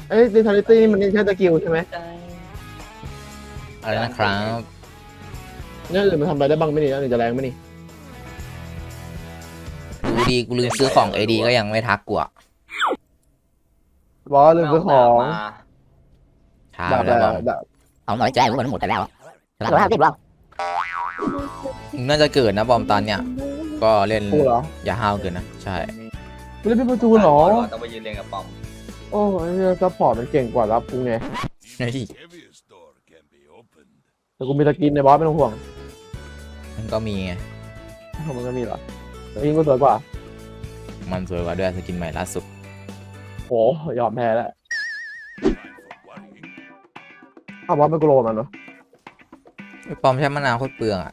เอ้ยดิทาริตี้มันนี่ใช้สกิลใช่ไหมอะไรนะครับเนี่ยหรือมันทำอะไรได้บ้างไหมนี่แล้วหรือจะแรงไหมนี่ดูดีกูลืมซื้อของADก็ยังไม่ทักกูอะบอสลืมซื้อของช้าดาบไปแล้วบอมดาบเอาหน่อยใจมันหมดไปแล้ว150แล้วมึงน่าจะเกิดนะบอมตอนเนี้ยก็เล่นกูเหรออย่าห้าวเกินนะใช่ไม่ได้เป็นประตูเหรอต้องไปยืนเรียงกับปอมโอ้ยซัพพอร์ตมันเก่งกว่ารับกูไงเฮ้ยแต่กูมีสกินในบอสไม่ต้องห่วงมันก็มีไงมันก็มีเหรอสกินกูสวยกว่ามันสวยกว่าด้วยสกินใหม่ล่าสุดโหยอมแพ้แล้วอ้าวบอสไม่กูโลมันเนาะไอ้ปอมใช้มะนาวโคตรเปลืองอ่ะ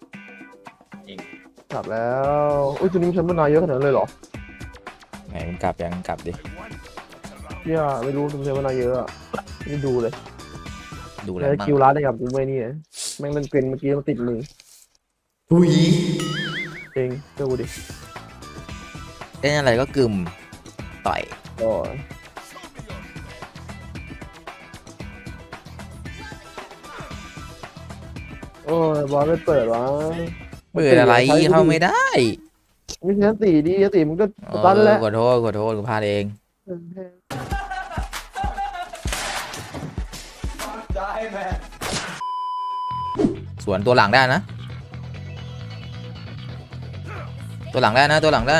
กลับแล้วอุ้ยตัวนี้มันใช้มานานเยอะขนาดนั้นเลยเหรอไหนมึงกลับยังกลับดิเนี่ยไม่รู้มันใช้มานานเยอะอะไม่ดูเลยดูแล้วใช้มั่งคิวร้านได้กับกูไม่นี่นะแม่งเล่นเกรนเมื่อกี้มันติดมืออุ้ยเองเจ้ากูดิเล่นอะไรก็กึมต่อยโอ้ยโอ้ยบอสไม่เปิดวะเปิดอะไรเข้าไม่ได้ไม่ใช่ตีดีตีมันก็เอตันแล้วขอโทษขอโทษกูพลาดเอง สวนตัวหลังได้นะ ตัวหลังได้นะตัวหลังได้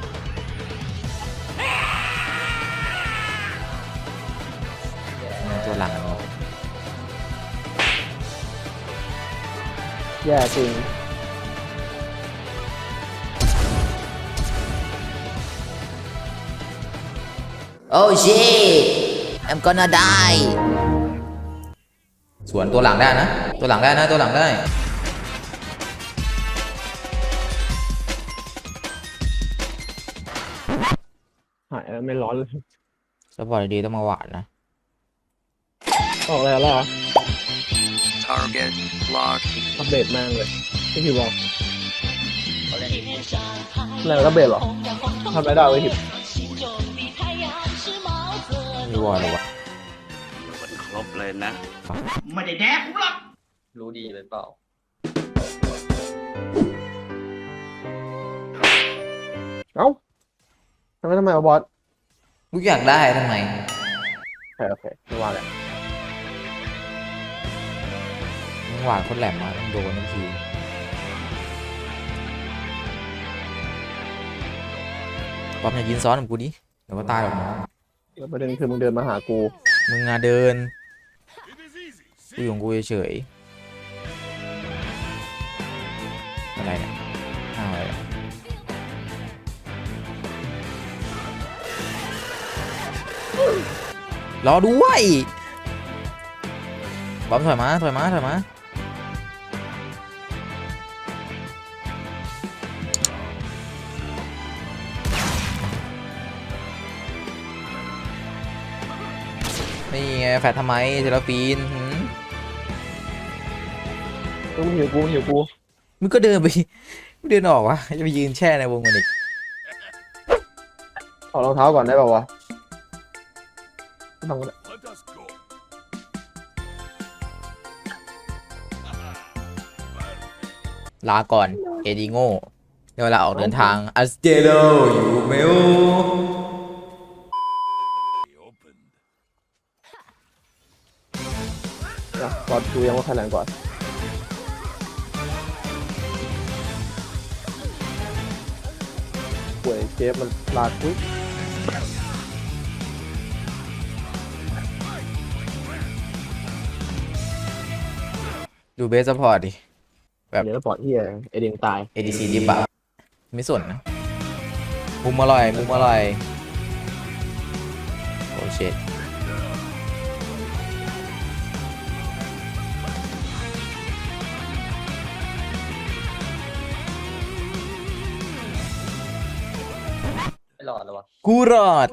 ตัวหลังแย่จริงโอ้ชิ I'm gonna die สวนตัวหลังได้นะ ตัวหลังได้นะตัวหลังได้หายแล้วไม่ร้อนเลยสปอร์ตดีต้องมาหวานนะออกแล้วเหรอ Target locked อัปเดตแม่งเลยที่พี่บอกเขาเล่นแล้วอัปเดตเหรอทำอะไรได้ไว้ทิปมีวอลหรอวะมันครบเลยนะไม่ได้แดกผมหรอกรู้ดีเลยเปล่าเอ้าทำไมวะบอสกูอยากได้ทำไมโอเคไม่ว่าแหละหวานคนแหลมมาต้องโดนทันทีป๊อปอย่ายืนซ้อนกับกูดิเดี๋ยวก็ตายหรอกน้องแล้วประเด็นคือมึงเดินมาหากูมึงอะเดินกูอยู่ของกูเฉยๆอะไรเนี่ยอ้าวอะไรเนี่ยรอด้วยบอมถอยมาถอยมาถอยมานี่ไงแฟดทำไมเทเลฟีนหืมมึงหิวกูมึงหิวกูมึงก็เดินไปมึงเดินออกวะจะไปยืนแช่ในวงมันอีกถอดรองเท้าก่อนได้ป่าวะไม่ต้องก็ได้ลาก่อน เอดิโง่เดี๋ยวเวลาออกเดินทางอัสเตโดอยู่เมลนะบอสดูยังว่าใครแรงกว่าป่วยเชฟมันลาดปุ๊บดูเบสซัพพอร์ตดิ แบบเดี๋ยวแล้วปอดที่ไอเดียงตาย ADC ดิบอะไม่สนนะมุมอร่อยมุมอร่อยโอ้เช็ดไม่รอดแล้ววะกูรอด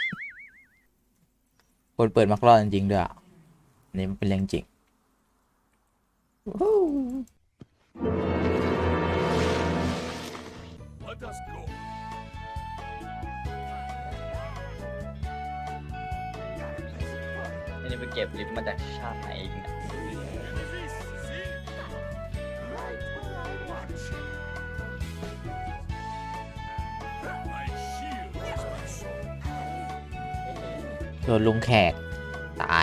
คนเปิดมักรอดจริงๆด้วยอ่ะอันนี่มันเป็นเรื่องจริง Let us go. ไม่ได้ไปเก็บลิฟต์มาจากชาติไหนอีกเนี่ยโดนลุงแขกตาย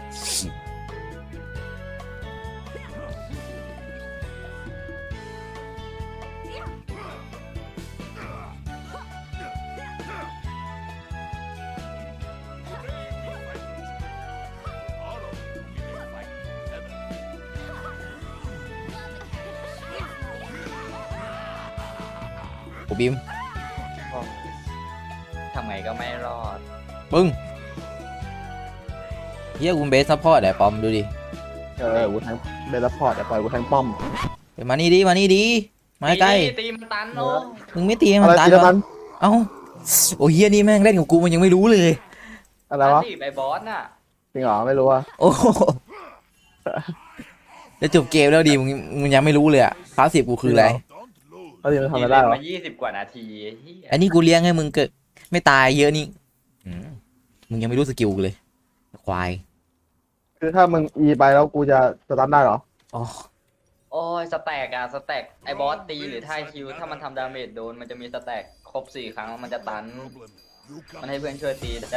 โอ้บิมทำไงก็ไม่รอดปึ้งเฮียกูเบสซัพพอร์ตไอ้ปอมดูดิกูแทงเบลล์พอร์ตแต่ปล่อยกูแทงป้อมเดี๋ยวมานี่ดิมานี่ดิมาใกล้ตีมันตันโอ้มึงไม่ตีให้อะมันไรตายตีเหรละมัอน เอ้าโอ้เฮียนี่แม่งเล่นกับกูมันยังไม่รู้เลยอะไรวะตีไปบอสน่ะจริงเหรอไม่รู้อ่ะโอ้โหจะจบเกมแล้วดิมึงยังไม่รู้เลยอะคลาสสิบกูคืออะไรแล้วทีมันทำอะไรได้ตีหรอมา20 กว่านาทีเหี้ยอันนี้กูเลี้ยงให้มึงเกิดไม่ตายเยอะนี่มึงยังไม่รู้สกิลกูเลยควายคือถ้ามึงอีไปแล้วกูจะสตันได้เหรออ๋อโอ้ยสแต็กอะสแต็กไอ้บอสตีหรือท่าคิวถ้ามันทำดาเมจโดนมันจะมีสแต็กครบ4 ครั้งมันจะตัน มันให้เพื่อนช่วยตีได้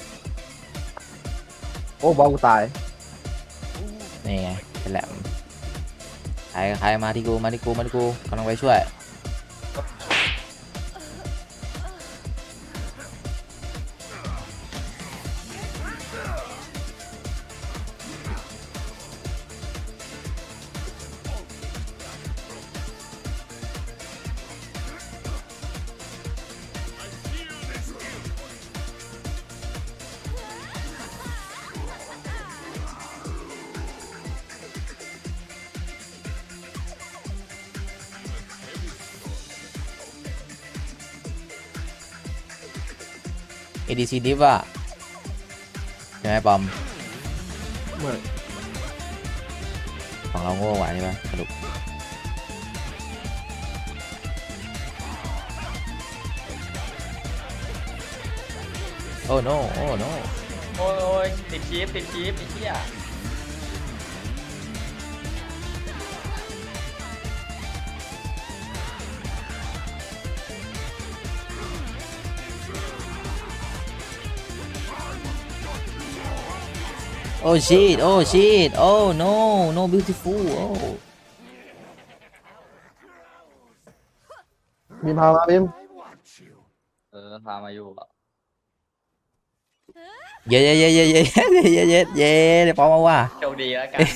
โอ้บอลกูตายนี่ไงเป็นแหลมใครมาที่กูกำลังไปช่วยADCดิฟอะใช่ไหมปอมไม่ของเราโง่กว่าใช่ปะสรุปโอ้ no โอ้ no โอ้ยติดชีฟไอ้เหี้ยโอ้ shit โอ้ shit โอ้ no no beautiful โอ้มีพามาบิมพามาอยู่อะเย้เดี๋ยวปอมมาว่าโชคดีแล้วกัน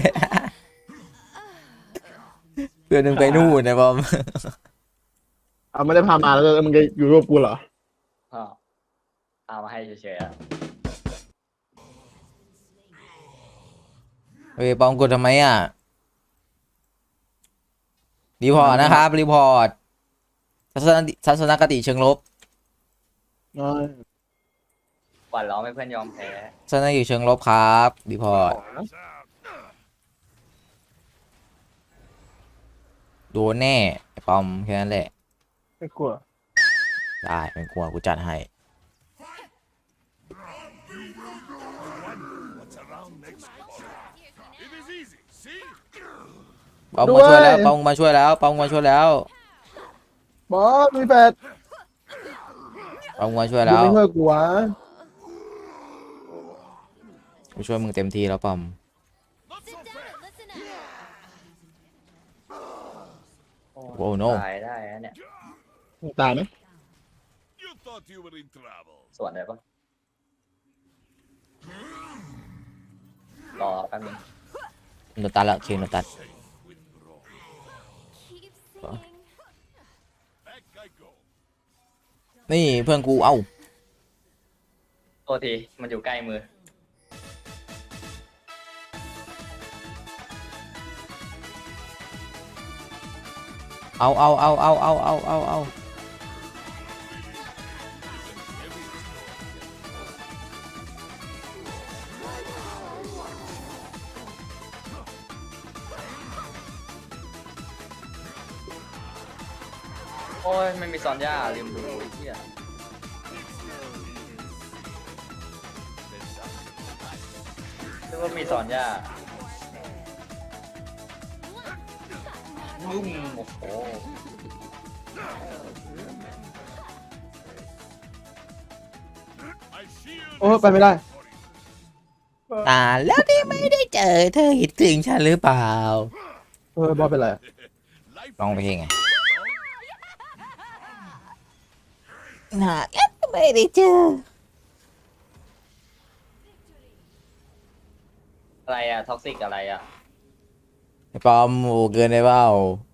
เพื่อนนึงไปนู่นนะปอมเอาไม่ได้พามาแล้วมึงจะอยู่ร่วมกูเหรออ้าวเอามาให้เฉยๆอะเฮ้ยปอมกดทำไมอ่ะรีพอร์ตนะครับรีพอร์ตทัศนคติเชิงลบหวั่นล้อมให้เพื่อนยอมแพ้ทัศนคติเชิงลบครับรีพอร์ตโดนแน่ไอ้ปอมแค่นั้นแหละไม่กลัวได้ไม่กลัวกูจัดให้ปอมมาช่วยแล้วปอมมาช่วยแล้วปอมมาช่วยแล้วบอสมีแปดปอมมาช่วยกูแล้วไม่ช่วยกูวะกูช่วยมึงเต็มที่แล้วปอมโอ้โนตายได้นะเนี่ยตายไหม You thought you were in trouble. ส่วนได้ปะรอแป๊บนึงโนตัสละเคนโนตัส Back I go. นี่เพื่อนกูเอ้าโทษทีมันอยู่ใกล้มือเอาโอ้ยไม่มีซอนย่าลืมดูไอ้เหี้ยก็มีสอนย่าบึ้มโอ้โห I shield โอ้ไปไม่ได้แล้วที่ไม่ได้เจอเธอคิดถึงฉันหรือเปล่าบอสเป็นไร life ร้องเพลงไงแล้วไม่ได้เจออะไรอะท็อกซิกอะไรอะไอ้ปอมโอ้เกินไปเปล่า